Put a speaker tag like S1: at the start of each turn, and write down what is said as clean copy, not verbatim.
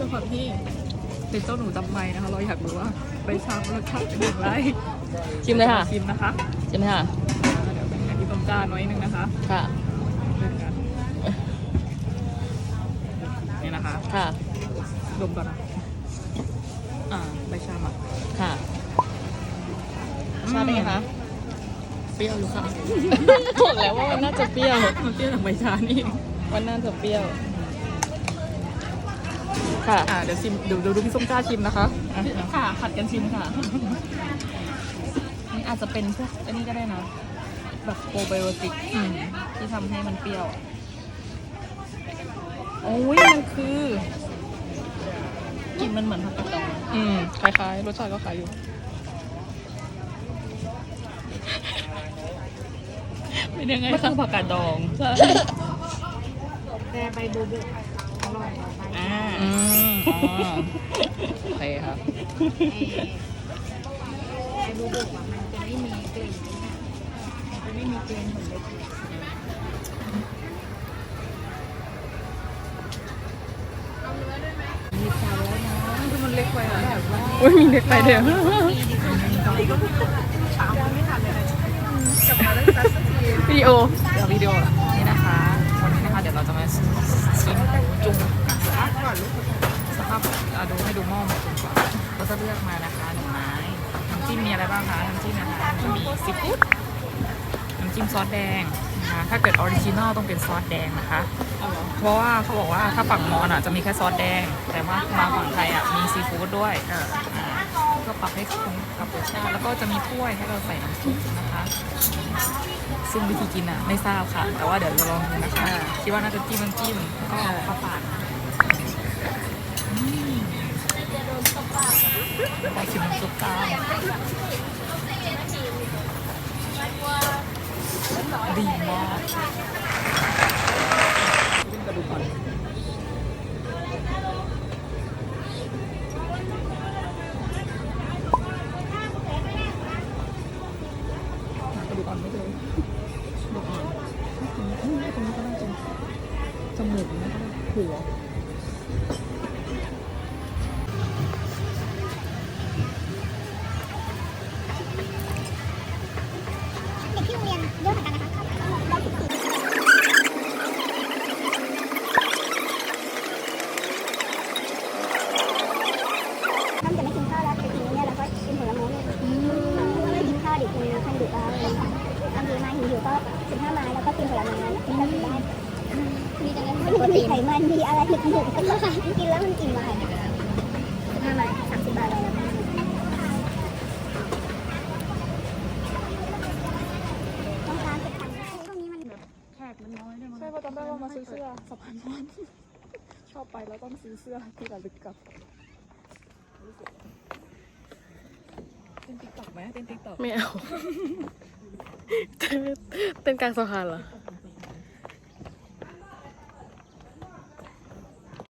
S1: ด้วยความที่เป็นเจ้าหนูจำไม่นะคะเราอยากรู้ว่าใบชามรสชาติเป็นอย่างไร
S2: ชิมเลยค่ะ
S1: ชิมนะคะ
S2: ชิมเลยค่ะ
S1: เดี๋ยวอันนี้ต้มจานน้อยนึงนะคะ
S2: ค่ะ
S1: เริ่มกันนี่นะคะ
S2: ค่ะ
S1: ดมก่อนนะใบชามอ่ะ
S2: ค่ะชาติเป็นไงคะ
S1: เปรี้ยวอยู่ค่ะ
S2: บอกแล้วว่ามันน่าจะเปรี้ยว
S1: มันเปรี้ยวจากใบชานี่
S2: มันน่าจะเปรี้ยว ค่ะ
S1: เดี๋ยวชิมดูพี่ส้มกล้าชิมนะคะ
S2: ค่ะผัดกันชิมค่ะ นี่อาจจะเป็นพวกอันนี้ก็ได้นะ แบบโปรไบโอติกที่ทำให้มันเปรี้ยว โอ้ยมันคือกลิ่นมันเหมือนผักกาดดอง
S1: คล้ายๆรสชาติก็คล้ายอยู่ เป็นยังไง
S2: มัน
S1: คะ
S2: คือผักกาดดอง
S3: แต่ใบบูบูอร่อยกว่าใบ
S1: โอเคครับ
S3: ใบบูบูอ่ะมันจะไม่มีกลิ่นมันจะไม่มีกลิ่นเหมือนใบเตยมีไฟแล้วนะ
S1: คือมันเล็กไปอะ
S3: แบบว่า
S1: อุ้ยมีเล็กไปเดี๋ยว วิดีโอเดี๋ยววิดีโอนี่นะคะวันนี้นะคะเดี๋ยวเราจะมาชิมจุ่มนะคะสภาพดูให้ดูหม้อหมดก่อนเราจะเลือกมานะคะหนึ่งไม้น้ำจิ้มมีอะไรบ้างคะน้ำจิ้มนะคะจะมีซีฟู้ดน้ำจิ้มซอสแดงนะคะถ้าเกิดออริจินอลต้องเป็นซอสแดงนะคะเพราะว่าเขาบอกว่าถ้าฝั่งมอญจะมีแค่ซอสแดงแต่ว่ามาฝั่งไทยมีซีฟู้ดด้วยก็ปรับให้คงกับรสชาติแล้วก็จะมีถ้วยให้เราใส่น้ำซุปนะคะซึ่งวิธีกินไม่ทราบค่ะ แต่ว่าเดี๋ยวเราลองดูนะคะคิดว่าน่าจะจิ้มน้ำจิ้มแล้วก็ข้าวปาดไปชิมน้ำซุปตามดีมากกระดูกอ่อนกระดูกอ่อนไม่เลยกระดูกอ่อนตรงนี้ก็น่าจะจมูกนะหัว
S3: เด็กที่โรงเรียนเยอะเหมือนกันนะคะท่านจะไม่กินข้าวแล้วไปกินเนี่ยแล้วก็กินผลไม้เนี่ยไม่กินข้าวดิกินท่านดึกแล้วบางทีมาหิวก็15 ไม้แล้วก็กินผลไม้ที่เรากินได้มีแต่นั้นไม่มีไขมันมีอะไรถึกๆก็ค่ะกินแล้วมันกินมา15 ไม้30 บาทเลยนะต้องการเก็บตังค์ตรงนี้มันแบบแขกมันน้อยด้วยมั้ง
S1: ใช่เพราะจำได้ว่ามาซื้อเสื้อสะพานมอนชอบไปแล้วต้องซื้อเสื้อที่ระลึกกลับเต้นติ๊กต็อกไหมเต้นติ๊กต็อก
S2: ไม่เอา เต้นกลางสะพานเหรอ
S1: เ